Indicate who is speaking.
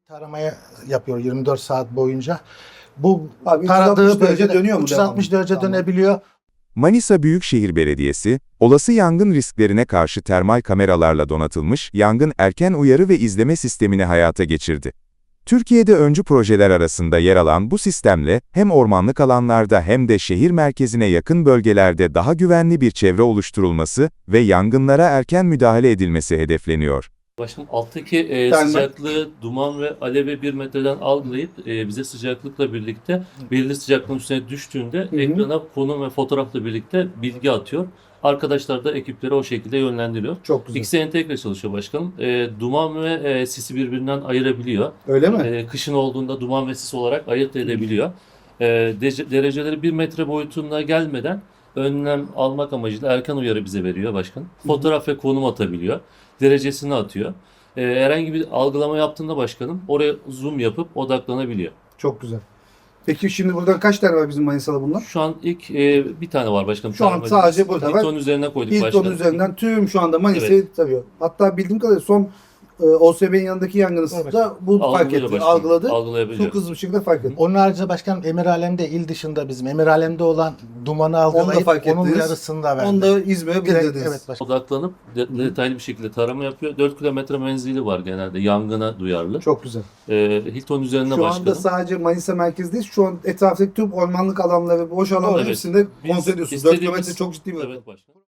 Speaker 1: Taramaya yapıyor 24 saat boyunca. Bu
Speaker 2: Abi
Speaker 1: taradığı
Speaker 2: 360 derece
Speaker 1: bölgede
Speaker 2: dönüyor mu
Speaker 1: 360
Speaker 2: devamlı?
Speaker 1: derece
Speaker 2: Tamam.
Speaker 1: dönebiliyor.
Speaker 3: Manisa Büyükşehir Belediyesi, olası yangın risklerine karşı termal kameralarla donatılmış yangın erken uyarı ve izleme sistemini hayata geçirdi. Türkiye'de öncü projeler arasında yer alan bu sistemle hem ormanlık alanlarda hem de şehir merkezine yakın bölgelerde daha güvenli bir çevre oluşturulması ve yangınlara erken müdahale edilmesi hedefleniyor.
Speaker 4: Başkanım alttaki
Speaker 2: Termal.
Speaker 4: sıcaklığı, duman ve alevi 1 metreden algılayıp bize sıcaklıkla birlikte belirli sıcaklığın üstüne düştüğünde ekrana konum ve fotoğrafla birlikte bilgi atıyor. Arkadaşlar da ekipleri o şekilde yönlendiriyor.
Speaker 2: Çok güzel.
Speaker 4: İkisi entegre çalışıyor başkanım. Duman ve sisi birbirinden ayırabiliyor.
Speaker 2: Öyle mi?
Speaker 4: Kışın olduğunda duman ve sis olarak ayırt edebiliyor. Dereceleri 1 metre boyutuna gelmeden önlem almak amacıyla erken uyarı bize veriyor başkanım. Fotoğraf ve konum atabiliyor. Derecesini atıyor. Herhangi bir algılama yaptığında başkanım oraya zoom yapıp odaklanabiliyor.
Speaker 2: Çok güzel. Peki şimdi buradan kaç tane var bizim Manisa'da bunlar?
Speaker 4: Şu an ilk bir tane var başkanım.
Speaker 2: Şu an sadece burada var.
Speaker 4: Hilton üzerine koyduk
Speaker 2: Hilton
Speaker 4: başkanım.
Speaker 2: üzerinden tüm şu anda Manisa'yı tarıyor. Hatta bildiğim kadarıyla son OSB'nin yanındaki yangını da bu fark
Speaker 4: Algılıyor
Speaker 2: etti.
Speaker 4: başkanım,
Speaker 2: Algıladı.
Speaker 4: algılayabiliyor.
Speaker 2: Çok hızlı bir şekilde fark etti.
Speaker 1: Onun haricinde başkanım Emirhalem'de il dışında bizim Emirhalem'de olan dumanı algılayıp
Speaker 2: fark
Speaker 1: onun
Speaker 2: ettiniz.
Speaker 1: uyarısını da verdi.
Speaker 2: Onu da İzmir'e
Speaker 1: Direkt,
Speaker 2: bildirdiniz.
Speaker 1: evet başkanım.
Speaker 4: Odaklanıp detaylı bir şekilde tarama yapıyor. 4 kilometre menzili var genelde yangına duyarlı.
Speaker 2: Çok güzel.
Speaker 4: Hilton üzerine
Speaker 2: Şu
Speaker 4: başkanım.
Speaker 2: anda sadece Manisa merkezdeyiz. Şu an etraftaki tüm ormanlık alanları, boş alanların
Speaker 4: Evet.
Speaker 2: hepsinde
Speaker 4: Biz
Speaker 2: kontrol ediyorsunuz. 4
Speaker 4: istediğimiz-
Speaker 2: kilometre çok ciddi bir rakam.
Speaker 4: Evet başkanım.